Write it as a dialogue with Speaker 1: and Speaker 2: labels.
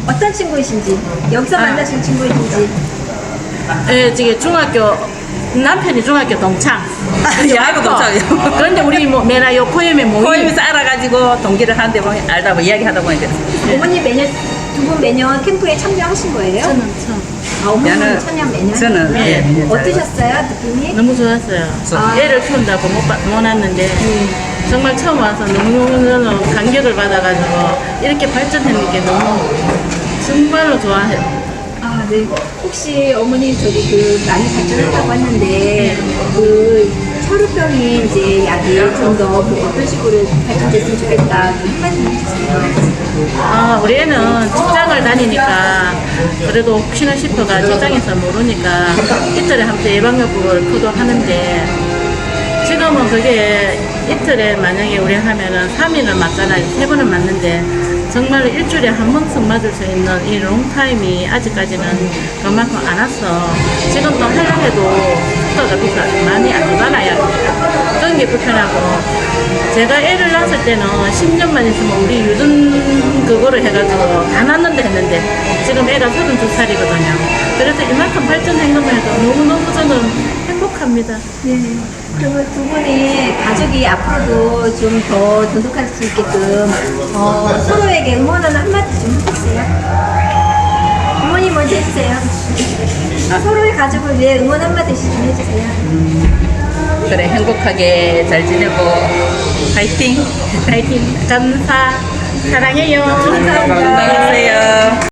Speaker 1: 어떤 친구이신지, 여기서 만나신 친구이신지.
Speaker 2: 예, 지금 남편이 중학교 동창.
Speaker 3: 여하고 동창이요.
Speaker 2: 그런데 우리 뭐 매나 요 포엠에 모임.
Speaker 3: 포임에서 알아가지고 동기를 하는데 보니 알다 뭐 이야기하다 보니까
Speaker 1: 어머니 두 분 매년 캠프에 참여하신 거예요?
Speaker 2: 저는 참
Speaker 1: 아, 어머니는
Speaker 3: 저는-
Speaker 1: 참여 매년?
Speaker 3: 저는
Speaker 2: 네.
Speaker 1: 어떠셨어요, 느낌이?
Speaker 2: 너무 좋았어요.
Speaker 1: 아.
Speaker 2: 애를 키운다고 못 왔는데 정말 처음 와서 너무 감격을 받아가지고 이렇게 발전하는 게 너무 정말로 좋아해요.
Speaker 1: 아, 네. 혹시 어머니 많이 발전했다고 했는데 혈우병이 이제 약이 좀 더 어떤 식으로 발전됐으면 좋겠다 그 한마디 해주세요.
Speaker 2: 우리 애는 직장을 다니니까 그래도 혹시나 싶어가 직장에서 모르니까 이틀에 한 번 예방접종을 포도하는데 지금은 그게 이틀에 만약에 우리 하면은 3일을 맞잖아요. 3번은 맞는데 정말 일주일에 한 번씩 맞을 수 있는 이 롱타임이 아직까지는 그만큼 안 왔어. 지금 또 하려고 해도 속도가 많이 안 오잖아요. 그런 게 불편하고 제가 애를 낳았을 때는 10년만 있으면 우리 유전 그거를 해가지고 다 낳는다 했는데 지금 애가 32살이거든요. 그래서 이만큼 발전한 것만 해도 너무너무 저는 행복합니다.
Speaker 1: 네. 그러면 두 분이 가족이 앞으로도 좀 더 돈독할 수 있게끔 서로에게 응원하는 한마디 좀 해주세요. 어머니 먼저 해주세요. 서로의 가족을 위해 응원 한마디씩 좀 해주세요.
Speaker 3: 그래 행복하게 잘 지내고 파이팅.
Speaker 2: 파이팅! 감사! 사랑해요!
Speaker 1: 감사합니다.
Speaker 3: 건강하세요.